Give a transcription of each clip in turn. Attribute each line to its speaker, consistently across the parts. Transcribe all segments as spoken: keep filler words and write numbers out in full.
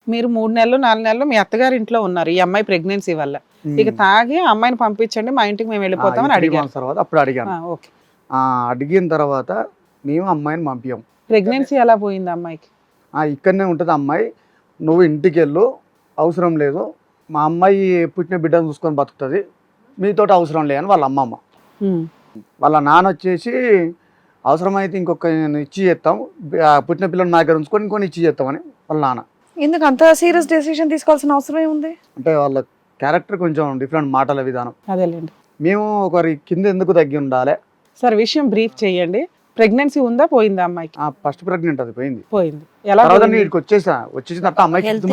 Speaker 1: మీరు మూడు నెలలు నాలుగు నెలలు మీ అత్తగారి ఇంట్లో ఉన్నారు ఈ అమ్మాయి ప్రెగ్నెన్సీ వల్ల. ఇక తాగి అమ్మాయిని పంపించండి మా ఇంటికి మేము వెళ్ళిపోతామని అడిగాను
Speaker 2: తర్వాత అప్పుడు అడిగాను.
Speaker 1: ఓకే.
Speaker 2: అడిగిన తర్వాత మేము అమ్మాయిని పంపించాం.
Speaker 1: ప్రెగ్నెన్సీ ఎలా పోయింది అమ్మాయికి?
Speaker 2: ఇక్కడనే ఉంటుంది అమ్మాయి, నువ్వు ఇంటికి వెళ్ళు, అవసరం లేదు, మా అమ్మాయి పుట్టిన బిడ్డను చూసుకొని బతుకుతుంది, మీతో అవసరం లేదని వాళ్ళ అమ్మమ్మ. వాళ్ళ నాన్న వచ్చేసి అవసరమైతే ఇంకొక ఇచ్చి చేస్తాం, పుట్టిన పిల్లలు నా దగ్గర ఉంచుకొని ఇంకొని ఇచ్చి చేస్తామని వాళ్ళ నాన్న.
Speaker 3: ఎందుకు అంత సీరియస్ డెసిషన్ తీసుకోవాల్సిన అవసరం ఏముంది?
Speaker 2: అంటే వాళ్ళ క్యారెక్టర్ కొంచెం డిఫరెంట్, మాటల విధానం.
Speaker 1: అదేలేండి.
Speaker 2: మేము ఒకరి కింద ఎందుకు తగ్గి ఉండాలి
Speaker 1: సార్, విషయం బ్రీఫ్ చేయండి. ప్రెగ్నెన్సీ ఉందా పోయిందా అమ్మాయికి?
Speaker 2: ఫస్ట్ ప్రెగ్నెంట్ అది పోయింది.
Speaker 1: పోయింది. ఎలా
Speaker 2: వచ్చేసా వచ్చేసిన తర్వాత అమ్మాయికి ఫిఫ్త్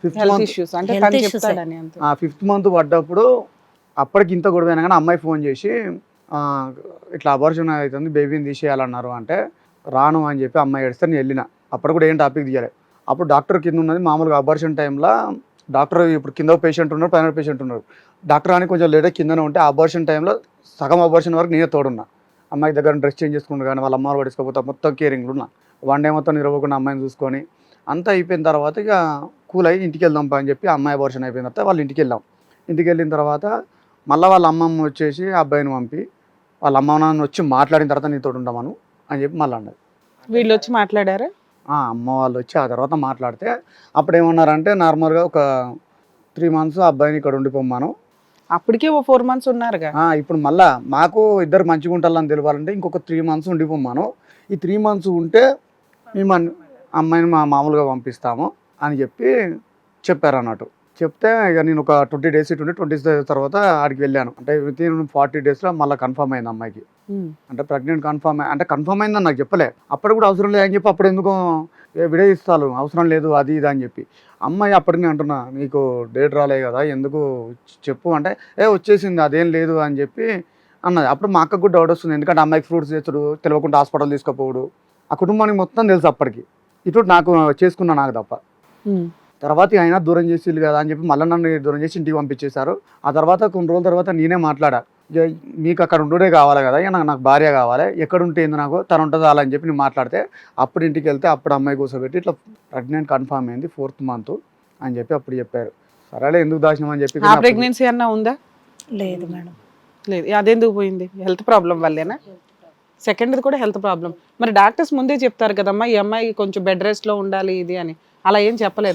Speaker 2: మంత్ ఫిఫ్త్ మంత్ పడ్డప్పుడు అప్పటికి ఇంత గొడవ అయినా కానీ అమ్మాయి ఫోన్ చేసి ఇట్లా అబార్షన్ అవుతుంది, బేబీని తీసేయాలన్నారు అంటే రాను అని చెప్పి అమ్మాయి ఏడిస్తే నేను వెళ్ళిన. అప్పుడు కూడా ఏం టాపిక్ తీయాలి. అప్పుడు డాక్టర్ కింద ఉన్నది మామూలుగా అబార్షన్ టైంలో డాక్టర్ ఇప్పుడు కింద పేషెంట్ ఉన్నారు, పైన పేషెంట్ ఉన్నారు. డాక్టర్ అని కొంచెం లేట్ కిందనే ఉంటే అబార్షన్ టైంలో సగం అబార్షన్ వరకు నేనే తోడున్నా. అమ్మాయి దగ్గర డ్రెస్ చేంజ్ చేసుకుంటూ కానీ వాళ్ళ అమ్మ పడుకోకపోతే మొత్తం కేరింగ్లు ఉన్నా. వన్ డే మొత్తం నిరవకుండా అమ్మాయిని చూసుకొని అంతా అయిపోయిన తర్వాత ఇక కూల్ అయ్యి ఇంటికి వెళ్దాం అని చెప్పి అమ్మాయి అబార్షన్ అయిపోయిన తర్వాత వాళ్ళు ఇంటికి వెళ్ళాం. ఇంటికి వెళ్ళిన తర్వాత మళ్ళీ వాళ్ళ అమ్మమ్మ వచ్చేసి అబ్బాయిని పంపి వాళ్ళ అమ్మ నాన్న వచ్చి మాట్లాడిన తర్వాత నీతో ఉండమను అని చెప్పి మళ్ళీ అన్నది.
Speaker 1: వీళ్ళు వచ్చి మాట్లాడారా?
Speaker 2: అమ్మ వాళ్ళు వచ్చి ఆ తర్వాత మాట్లాడితే అప్పుడు ఏమన్నారంటే నార్మల్గా ఒక త్రీ మంత్స్ అబ్బాయిని ఇక్కడ ఉండిపోమ్మాను.
Speaker 1: అప్పటికే ఓ ఫోర్ మంత్స్ ఉన్నారుగా.
Speaker 2: ఇప్పుడు మళ్ళా మాకు ఇద్దరు మంచిగా ఉంటారని తెలియాలంటే ఇంకొక త్రీ మంత్స్ ఉండిపోమ్మాను. ఈ త్రీ మంత్స్ ఉంటే మేము అమ్మాయిని మా మామూలుగా పంపిస్తాము అని చెప్పి చెప్పారు అన్నట్టు. చెప్తే ఇక నేను ఒక ట్వంటీ డేస్ ఇటు ట్వంటీ డేస్ తర్వాత ఆడికి వెళ్ళాను. అంటే విత్ ఇన్ ఫార్టీ డేస్లో మళ్ళీ కన్ఫర్మ్ అయింది అమ్మాయికి. అంటే ప్రెగ్నెంట్ కన్ఫర్మ్ అంటే కన్ఫర్మ్ అయిందని నాకు చెప్పలే. అప్పుడు కూడా అవసరం లేదు అని చెప్పి అప్పుడు ఎందుకు విడదీస్తాను అవసరం లేదు అది ఇది అని చెప్పి అమ్మాయి అప్పటికి అంటున్నా నీకు డేట్ రాలే కదా ఎందుకు చెప్పు అంటే ఏ వచ్చేసింది అదేం లేదు అని చెప్పి అన్నది. అప్పుడు మా అక్కకు కూడా డౌట్ వస్తుంది, ఎందుకంటే అమ్మాయికి ఫ్రూట్స్ తెచ్చుడు, తెలియకుండా హాస్పిటల్ తీసుకుపోవడు, ఆ కుటుంబానికి మొత్తం తెలుసు అప్పటికి. ఇటు నాకు చేసుకున్నా నాకు తప్ప. తర్వాత అయినా దూరం చేసి కదా అని చెప్పి మళ్ళీ నన్ను దూరం చేసి ఇంటికి పంపించేశారు. ఆ తర్వాత కొన్ని రోజుల తర్వాత నేనే మాట్లాడా, మీకు అక్కడ ఉండే కావాలి కదా, నాకు నాకు భార్య కావాలి, ఎక్కడ ఉంటే ఏంది నాకు తను ఉంటుంది అలా అని చెప్పి నేను మాట్లాడితే అప్పుడు ఇంటికి వెళ్తే అప్పుడు అమ్మాయి కూర్చోబెట్టి ఇట్లా ప్రెగ్నెంట్ కన్ఫర్మ్ అయింది ఫోర్త్ మంత్ అని చెప్పి అప్పుడు చెప్పారు. సరేలే ఎందుకు దాచినాం అని చెప్పి.
Speaker 1: ప్రెగ్నెన్సీ అన్నా ఉందా?
Speaker 3: లేదు మేడం.
Speaker 1: లేదు. అదెందుకు పోయింది? హెల్త్ ప్రాబ్లం వల్లేనా? సెకండ్ది కూడా హెల్త్ ప్రాబ్లం. మరి డాక్టర్స్ ముందే చెప్తారు కదమ్మా ఈ అమ్మాయి కొంచెం బెడ్ రెస్ట్ లో ఉండాలి ఇది అని, అలా ఏం చెప్పలేదు?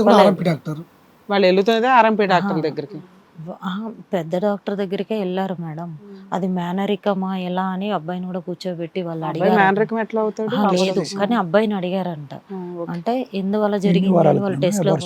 Speaker 1: వాళ్ళు వెళ్తున్నదే ఆర్ఎంపీ డాక్టర్ దగ్గరికి.
Speaker 4: పెద్ద డాక్టర్ దగ్గరికే వెళ్ళారు మేడం. అది మేనరికమా ఎలా అని అబ్బాయిని కూడా కూర్చోబెట్టి వాళ్ళు అడిగారు.
Speaker 1: మేనరికం ఎట్లా అవుతాడు?
Speaker 4: లేదు కానీ అబ్బాయిని అడిగారంట. అంటే ఎందువల్ల జరిగింది వాళ్ళు టెస్ట్ లో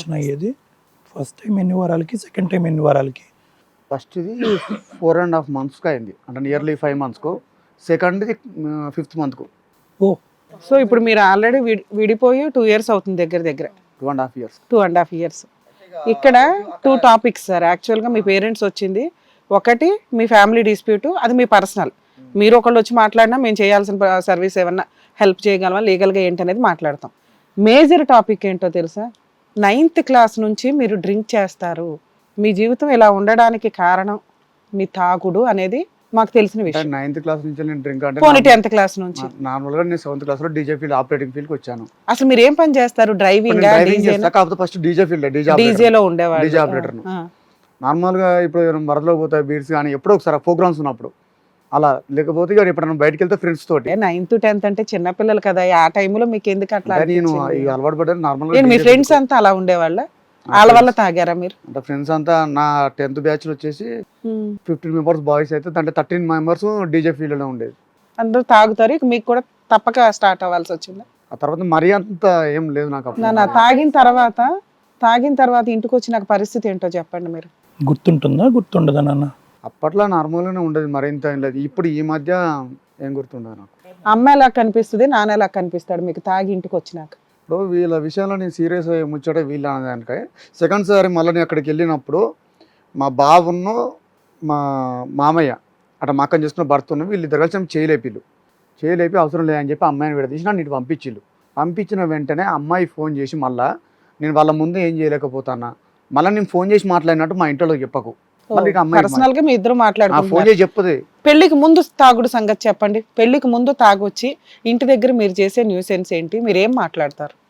Speaker 5: ఫస్ట్ టైం ఎన్ని వారాలకి, సెకండ్ టైం ఎన్ని వారాలకి?
Speaker 2: ఫస్ట్ ఇది ఫోర్ అండ్ హాఫ్ మంత్స్కి అయింది, అంటే నియర్లీ ఫైవ్ మంత్స్కు. సెకండ్ది ఫిఫ్త్ మంత్కు.
Speaker 5: ఓ
Speaker 1: సో ఇప్పుడు మీరు ఆల్రెడీ విడిపోయి టూ ఇయర్స్ అవుతుంది దగ్గర దగ్గర.
Speaker 2: Two and half years
Speaker 1: two and half years ఇక్కడ టూ టాపిక్స్ సార్. యాక్చువల్గా మీ పేరెంట్స్ వచ్చింది ఒకటి మీ ఫ్యామిలీ డిస్ప్యూట్, అది మీ పర్సనల్. మీరు ఒకళ్ళు వచ్చి మాట్లాడినా మేము చేయాల్సిన సర్వీస్ ఏమన్నా హెల్ప్ చేయగలమా లీగల్గా ఏంటనేది మాట్లాడతాం. మేజర్ టాపిక్ ఏంటో తెలుసా? నైన్త్ క్లాస్ నుంచి మీరు డ్రింక్ చేస్తారు, మీ జీవితం ఇలా ఉండడానికి కారణం మీ తాగుడు అనేది మాకు తెలిసిన విషయం.
Speaker 2: నైన్త్ క్లాస్ నుంచి నేను డ్రింక్ అంటే
Speaker 1: పోనీ టెన్త్ క్లాస్ నుంచి.
Speaker 2: నార్మల్గా నేను సెవెంత్ క్లాస్ లో డీజే ఫీల్డ్ ఆపరేటింగ్ ఫీల్డ్ కి వచ్చాను.
Speaker 1: అసలు మీరు ఏం పని చేస్తారు? డ్రైవింగ్?
Speaker 2: కాకపోతే ఫస్ట్ డీజే ఫీల్డ్
Speaker 1: డీజే లో ఉండేవాళ్ళు.
Speaker 2: DJ operator. నార్మల్ గా ఇప్పుడు వరదలో పోతాయి బీడ్స్ కానీ ఎప్పుడో ఒకసారి ప్రోగ్రామ్స్ ఉన్నప్పుడు అలా, లేకపోతే ఇక ఎప్పుడైనా బయటకు వెళ్తే ఫ్రెండ్స్ తోటి.
Speaker 1: నైన్త్ టెన్త్ అంటే చిన్న పిల్లలు కదా, ఆ టైంలో మీకు ఎందుకు అట్లా?
Speaker 2: నేను అలవాటు పడ్డాను. నార్మల్
Speaker 1: మీ ఫ్రెండ్స్ అంతా అలా ఉండేవాళ్ళ? వాళ్ళ వల్ల తాగారా మీరు?
Speaker 2: అంటే ఫ్రెండ్స్ అంతా నా టెన్త్ బ్యాచ్ వచ్చేసి ఫిఫ్టీన్ మెంబర్స్ బాయ్స్ అయితే అంటే థర్టీన్ మెంబర్స్ డీజే ఫీల్డ్ లో ఉండేది.
Speaker 1: అందరూ తాగుతారు, ఇక మీకు కూడా తప్పక స్టార్ట్ అవ్వాల్సి వచ్చింది.
Speaker 2: ఆ తర్వాత మరీ అంత ఏం లేదు నాకు.
Speaker 1: నా తాగిన తర్వాత తాగిన తర్వాత ఇంటికి వచ్చి నాకు పరిస్థితి ఏంటో చెప్పండి మీరు.
Speaker 5: గుర్తుంటుందా గుర్తుండదా నాన్న?
Speaker 2: అప్పట్లో నార్మల్ గానే ఉండేది, మరింత ఏం లేదు. ఇప్పుడు ఈ మధ్య ఏం గుర్తుండదు నాకు.
Speaker 1: అమ్మ ఎలా కనిపిస్తుంది, నాన్న ఎలా కనిపిస్తాడు మీకు తాగి ఇంటికి వచ్చినాక?
Speaker 2: ఇప్పుడు వీళ్ళ విషయంలో నేను సీరియస్ అయ్యి ముచ్చట వీళ్ళ అనేదానికే. సెకండ్ సారి మళ్ళీ నేను అక్కడికి వెళ్ళినప్పుడు మా బావును మా మామయ్య అట్లా మా అక్కని చేసుకున్న భర్త ఉన్న వీళ్ళిద్దరు కలిసి చేయలేపిల్లు చేయలేపి అవసరం లేదని చెప్పి అమ్మాయిని విడదీసి నన్ను ఇటు పంపించిళ్ళు. పంపించిన వెంటనే అమ్మాయి ఫోన్ చేసి మళ్ళీ నేను వాళ్ళ ముందు ఏం చేయలేకపోతానా, మళ్ళీ నేను ఫోన్ చేసి మాట్లాడినట్టు మా ఇంట్లో చెప్పకు.
Speaker 1: పర్సనల్ గా మీ ఇద్దరు మాట్లాడుకుంటారు.
Speaker 2: ఫోన్ చేసి చెప్పుది.
Speaker 1: పెళ్లికి ముందు తాగుడు సంగతి చెప్పండి. పెళ్లికి ముందు తాగొచ్చి ఇంటి దగ్గర మీరు చేసే న్యూసెన్స్ ఏంటి, మీరు ఏం మాట్లాడతారు?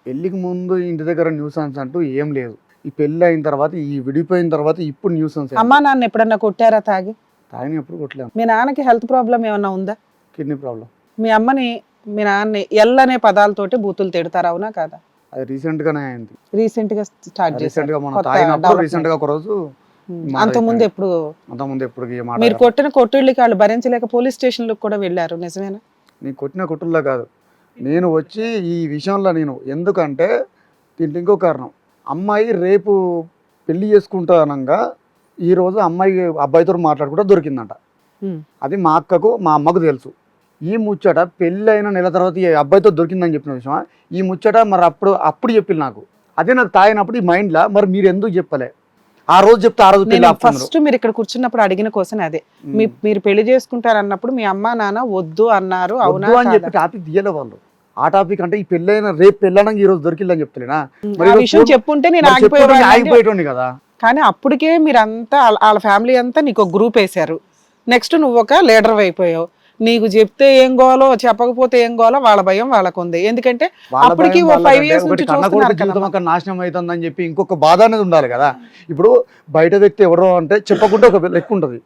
Speaker 2: పెళ్ళికి ముందు ఇంటి దగ్గర న్యూసెన్స్ అంటూ ఏం లేదు. ఈ పెళ్ళి అయిన తర్వాత ఈ విడిపోయిన తర్వాత ఇప్పుడు న్యూసెన్స్.
Speaker 1: అమ్మా నాన్న ఎప్పుడన్నా కొట్టారా తాగి?
Speaker 2: తాగిన ఎప్పుడు కొట్టలేము.
Speaker 1: మీ నాన్నకి హెల్త్ ప్రాబ్లం ఏమన్నా ఉందా?
Speaker 2: Kidney problem.
Speaker 1: మీ అమ్మని మీ నాన్నని ఎల్ అనే పదాలతోటి బూతులు తిడతారు, అవునా కాదా?
Speaker 2: అది రీసెంట్ గానే అయింది.
Speaker 1: రీసెంట్ గా స్టార్ట్
Speaker 2: రీసెంట్ గా
Speaker 1: చేశారు.
Speaker 2: మనం తాగినప్పుడు రీసెంట్ గా ఒక రోజు
Speaker 1: అంత ముందు ఎప్పుడు
Speaker 2: అంత ముందు ఎప్పుడు
Speaker 1: మీరు కొట్టిన కొట్టుళ్ళకి వాళ్ళు భరించలేక పోలీస్ స్టేషన్ లకు కూడా వెళ్ళారు, నిజమేనా?
Speaker 2: నేను కొట్టిన కొట్టుల్లో కాదు, నేను వచ్చి ఈ విషయంలో నేను ఎందుకంటే దీంట్లో ఇంకో కారణం. అమ్మాయి రేపు పెళ్లి చేసుకుంటానంగా ఈ రోజు అమ్మాయి అబ్బాయితో మాట్లాడుకుంటూ దొరికిందంట. అది మా అక్కకు మా అమ్మకు తెలుసు. ఈ ముచ్చట పెళ్ళి అయిన నెల తర్వాత ఈ అబ్బాయితో దొరికిందని చెప్పిన విషయం ఈ ముచ్చట మరి అప్పుడు అప్పుడు చెప్పింది నాకు. అదే నాకు తాగినప్పుడు ఈ మైండ్లో మరి మీరు ఎందుకు చెప్పలే, ఆ రోజు చెప్తే ఆ రోజు పెళ్లి.
Speaker 1: ఫస్ట్ మీరు ఇక్కడ కూర్చున్నప్పుడు అడిగిన కోసం అదే, మీ మీరు పెళ్లి చేసుకుంటారు అన్నప్పుడు మీ అమ్మ నాన్న వద్దు అన్నారు, అవునా
Speaker 2: అని చెప్పి టాపిక్ తీయలే వాళ్ళు. ఆ టాపిక్ అంటే ఈ పెళ్ళైన రేపు పెళ్ళడానికి ఈ రోజు దొరికిందని చెప్తలేనా,
Speaker 1: విషయం చెప్పుంటే నేను
Speaker 2: ఆగిపోయేటోని కదా.
Speaker 1: కానీ అప్పటికే మీరంతా వాళ్ళ ఫ్యామిలీ అంతా నీకు ఒక గ్రూప్ వేశారు. నెక్స్ట్ నువ్వు ఒక లీడర్ అయిపోయావు. నీకు చెప్తే ఏం గోలో చెప్పకపోతే ఏం గోలో వాళ్ళ భయం వాళ్ళకు ఉంది. ఎందుకంటే అప్పటికి ఫైవ్ ఇయర్స్ నుంచి
Speaker 2: నాశనం అవుతుందని చెప్పి ఇంకొక బాధ అనేది ఉండాలి కదా. ఇప్పుడు బయట వ్యక్తి ఎవరో అంటే చెప్పకుండా ఒక లెక్క ఉంటుంది.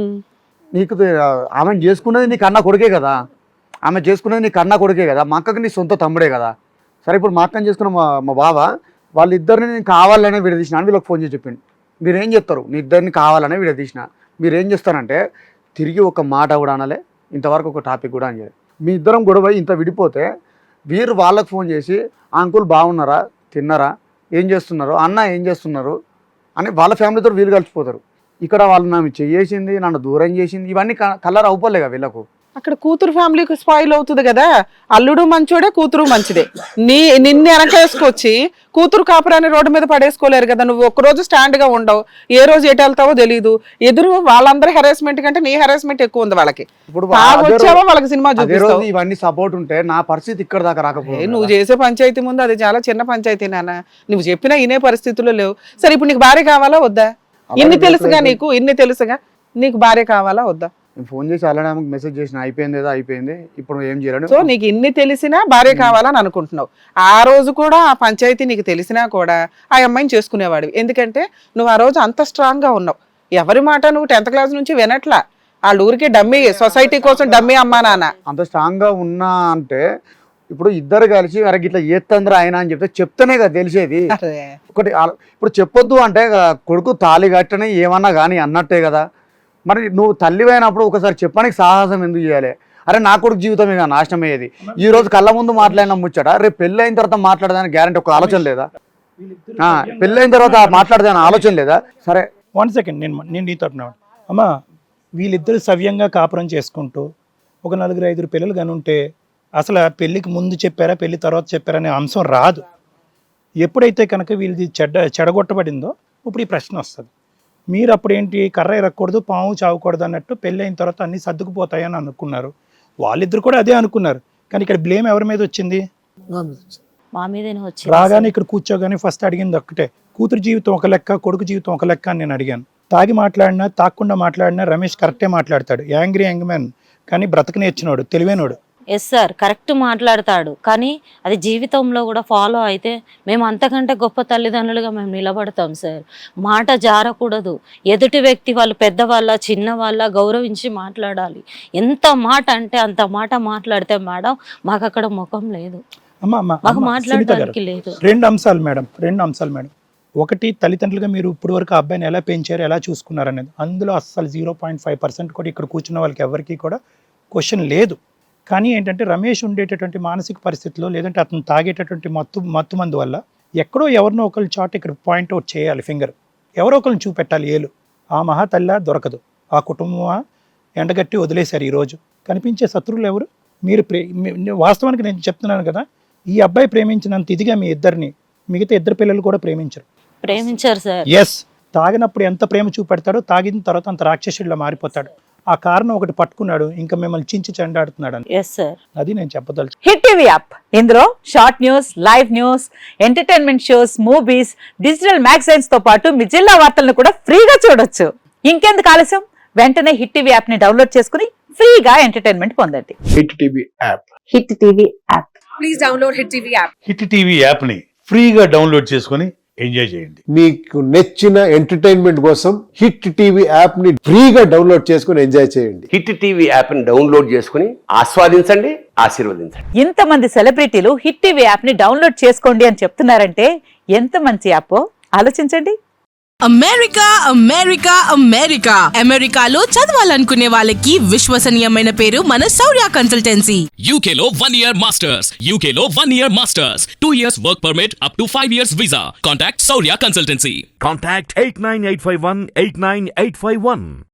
Speaker 2: నీకు ఆమె చేసుకున్నది నీకు అన్న కొడుకే కదా, ఆమె చేసుకున్నది నీకు అన్న కొడుకే కదా, మా అక్కకి నీ సొంత తమ్ముడే కదా. సరే ఇప్పుడు మా అక్కని చేసుకున్న మా మా బావ వాళ్ళిద్దరిని నేను కావాలనే విడదీసిన అని వీళ్ళకి ఫోన్ చేసి చెప్పిండు. మీరేం చెప్తారు, నీ ఇద్దరిని కావాలనే విడదీసిన, మీరేం చేస్తారంటే తిరిగి ఒక మాట కూడా అనలే, ఇంతవరకు ఒక టాపిక్ కూడా అని. మీ ఇద్దరం గొడవ ఇంత విడిపోతే వీరు వాళ్ళకు ఫోన్ చేసి అంకుల్ బాగున్నారా, తిన్నారా, ఏం చేస్తున్నారు, అన్న ఏం చేస్తున్నారు అని వాళ్ళ ఫ్యామిలీతో వీళ్ళు కలిసిపోతారు. ఇక్కడ వాళ్ళు నన్ను చేసింది, నన్ను దూరం చేసింది, ఇవన్నీ కలర్ అవుపోలేగా వీళ్ళకు.
Speaker 1: అక్కడ కూతురు ఫ్యామిలీకి స్పాయిల్ అవుతుంది కదా. అల్లుడు మంచోడే, కూతురు మంచిదే. నీ నిన్ను వెనకేసుకొచ్చి కూతురు కాపురాన్ని రోడ్డు మీద పడేసుకోలేరు కదా. నువ్వు ఒక్కరోజు స్టాండ్ గా ఉండవు, ఏ రోజు ఎటు వెళ్తావో తెలియదు. ఎదురు వాళ్ళందరూ హెరాస్మెంట్ కంటే నీ హెరాస్మెంట్ ఎక్కువ ఉంది వాళ్ళకి.
Speaker 2: ఇప్పుడు
Speaker 1: వచ్చావో వాళ్ళకి సినిమా చూపిస్తావు.
Speaker 2: ఇవన్నీ సపోర్ట్ ఉంటే నా పరిస్థితి ఇక్కడ దాకా రాకపోతే.
Speaker 1: నువ్వు చేసే పంచాయతీ ముందు అది చాలా చిన్న పంచాయతీ నాన్న. నువ్వు చెప్పినా ఇనే పరిస్థితుల్లో లేవు. సరే ఇప్పుడు నీకు భార్య కావాలా వద్దా? ఇన్ని తెలుసుగా నీకు, ఇన్ని తెలుసుగా నీకు భార్య కావాలా వద్దా?
Speaker 2: నేను ఫోన్ చేసి అలానే మెసేజ్ చేసిన, అయిపోయింది ఏదో అయిపోయింది, ఇప్పుడు ఏం చేయాలని.
Speaker 1: సో నీకు ఇన్ని తెలిసినా భార్య కావాలని అనుకుంటున్నావు. ఆ రోజు కూడా ఆ పంచాయతీ నీకు తెలిసినా కూడా ఆ అమ్మాయిని చేసుకునేవాడివి. ఎందుకంటే నువ్వు ఆ రోజు అంత స్ట్రాంగ్ గా ఉన్నావు. ఎవరి మాట నువ్వు టెన్త్ క్లాస్ నుంచి వినట్లా. వాళ్ళ ఊరికి డమ్మీ, సొసైటీ కోసం డమ్మీ అమ్మా నాన్న.
Speaker 2: అంత స్ట్రాంగ్ గా ఉన్నా అంటే ఇప్పుడు ఇద్దరు కలిసి అరే ఇట్లా ఏత్తంద్ర ఆయన అని చెప్తే చెప్తేనే కదా తెలిసేది. ఒకటి ఇప్పుడు చెప్పొద్దు అంటే కొడుకు తాళి కట్టని ఏమన్నా కానీ అన్నట్టే కదా. మరి నువ్వు తల్లి అయినప్పుడు ఒకసారి చెప్పడానికి సాహసం ఎందుకు చేయాలి? అరే నా కొడుకు జీవితమే కదా నాశనం అయ్యేది. ఈ రోజు కళ్ళ ముందు మాట్లాడిన ముచ్చట రేపు పెళ్ళి అయిన తర్వాత మాట్లాడదానికి గ్యారంటీ ఒక ఆలోచన లేదా? పెళ్ళి అయిన తర్వాత మాట్లాడదాని ఆలోచన లేదా? సరే
Speaker 5: వన్ సెకండ్, నేను నేను నీతో అమ్మా, వీళ్ళిద్దరు సవ్యంగా కాపురం చేసుకుంటూ ఒక నలుగురు ఐదుగురు పిల్లలు కానీ ఉంటే అసలు పెళ్ళికి ముందు చెప్పారా పెళ్లి తర్వాత చెప్పారా అనే అంశం రాదు. ఎప్పుడైతే కనుక వీళ్ళది చెడ్డ చెడగొట్టబడిందో ఇప్పుడు ఈ ప్రశ్న వస్తుంది. మీరు అప్పుడు ఏంటి కర్ర ఎరగకూడదు, పాము చావకూడదు అన్నట్టు పెళ్ళి అయిన తర్వాత అన్ని సర్దుకుపోతాయని అనుకున్నారు. వాళ్ళిద్దరు కూడా అదే అనుకున్నారు. కానీ ఇక్కడ బ్లేమ్ ఎవరి మీద వచ్చింది?
Speaker 4: మా మీదనే వచ్చింది.
Speaker 5: రాగానే ఇక్కడ కూర్చోగానే ఫస్ట్ అడిగింది ఒక్కటే, కూతురు జీవితం ఒక లెక్క, కొడుకు జీవితం ఒక లెక్క అని నేను అడిగాను. తాగి మాట్లాడినా తాకుండా మాట్లాడినా రమేష్ కరెక్టే మాట్లాడతాడు. యాంగ్రీ యంగ్ మ్యాన్ కానీ బ్రతక నేర్చినోడు, తెలివైనోడు.
Speaker 4: ఎస్ సార్, కరెక్ట్ మాట్లాడతాడు. కానీ అది జీవితంలో కూడా ఫాలో అయితే మేము అంతకంటే గొప్ప తల్లిదండ్రులుగా మేము నిలబడతాం సార్. మాట జారకూడదు. ఎదుటి వ్యక్తి వాళ్ళు పెద్దవాళ్ళ చిన్నవాళ్ళ గౌరవించి మాట్లాడాలి. ఎంత మాట అంటే అంత మాట మాట్లాడితే మేడం మాకు అక్కడ ముఖం లేదు, మాకు మాట్లాడడానికి లేదు.
Speaker 5: రెండు అంశాలు మేడం, రెండు అంశాలు మేడం. ఒకటి, తల్లిదండ్రులుగా మీరు ఇప్పుడు వరకు అబ్బాయిని ఎలా పెంచారు, ఎలా చూసుకున్నారు అనేది. అందులో అస్సలు జీరో పాయింట్ ఫైవ్ పర్సెంట్ కూడా ఇక్కడ కూర్చున్న వాళ్ళకి ఎవరికి కూడా క్వశ్చన్ లేదు. కానీ ఏంటంటే రమేష్ ఉండేటటువంటి మానసిక పరిస్థితిలో లేదంటే అతను తాగేటటువంటి మత్తు మత్తు మందు వల్ల ఎక్కడో ఎవరినో ఒకరు చాట్ ఇక్కడ పాయింట్అవుట్ చేయాలి, ఫింగర్ ఎవరో ఒకరిని చూపెట్టాలి. ఏలు ఆ మహా తల్లి దొరకదు, ఆ కుటుంబం ఎండగట్టి వదిలేశారు. ఈరోజు కనిపించే శత్రువులు ఎవరు? మీరు ప్రే వాస్తవానికి నేను చెప్తున్నాను కదా, ఈ అబ్బాయి ప్రేమించినంత ఇదిగా మీ ఇద్దరిని మిగతా ఇద్దరు పిల్లలు కూడా ప్రేమించరు.
Speaker 4: ప్రేమించారు సార్.
Speaker 5: ఎస్, తాగినప్పుడు ఎంత ప్రేమ చూపెడతాడో తాగిన తర్వాత అంత రాక్షసుడిలా మారిపోతాడు. ఆ కారణం ఒకటి పట్టుకున్నాడు, ఇంకా మిమ్మల్ని చించి చెండాడుతున్నాడు అని.
Speaker 4: ఎస్ సార్,
Speaker 5: అది నేను చెప్పదలుచు.
Speaker 6: హిట్ టీవీ యాప్, ఇందులో short news, live news, entertainment shows, movies, digital magazines తో పాటు మీ జిల్లా వార్తలను కూడా ఫ్రీగా చూడొచ్చు. ఇంకెందుకు ఆలస్యం, వెంటనే హిట్ టీవీ యాప్ ని డౌన్లోడ్ చేసుకుని ఫ్రీగా ఎంటర్టైన్మెంట్ పొందండి.
Speaker 5: Hit TV app.
Speaker 6: Hit TV app
Speaker 7: please download Hit T V app.
Speaker 8: Hit TV యాప్ని ఫ్రీగా డౌన్లోడ్ చేసుకొని ఎంజాయ్ చేయండి.
Speaker 9: మీకు నచ్చిన ఎంటర్టైన్మెంట్ కోసం హిట్ టీవీ యాప్ ని ఫ్రీగా డౌన్లోడ్ చేసుకుని ఎంజాయ్ చేయండి.
Speaker 10: హిట్ టీవీ యాప్ని డౌన్లోడ్ చేసుకుని ఆస్వాదించండి, ఆశీర్వదించండి.
Speaker 6: ఇంతమంది సెలబ్రిటీలు హిట్ టీవీ యాప్ ని డౌన్లోడ్ చేసుకోండి అని చెప్తున్నారంటే ఎంత మంచి యాప్ ఆలోచించండి.
Speaker 11: అమెరికా అమెరికా అమెరికా అమెరికాలో చదవాలనుకునే వాళ్ళకి విశ్వసనీయమైన పేరు మన శౌర్య కన్సల్టెన్సీ.
Speaker 12: యూకేలో వన్ ఇయర్ మాస్టర్స్ యూకేలో one year masters two years work permit up to five years visa. Contact Shaurya consultancy.
Speaker 13: Contact eight nine eight five one eight nine eight five one.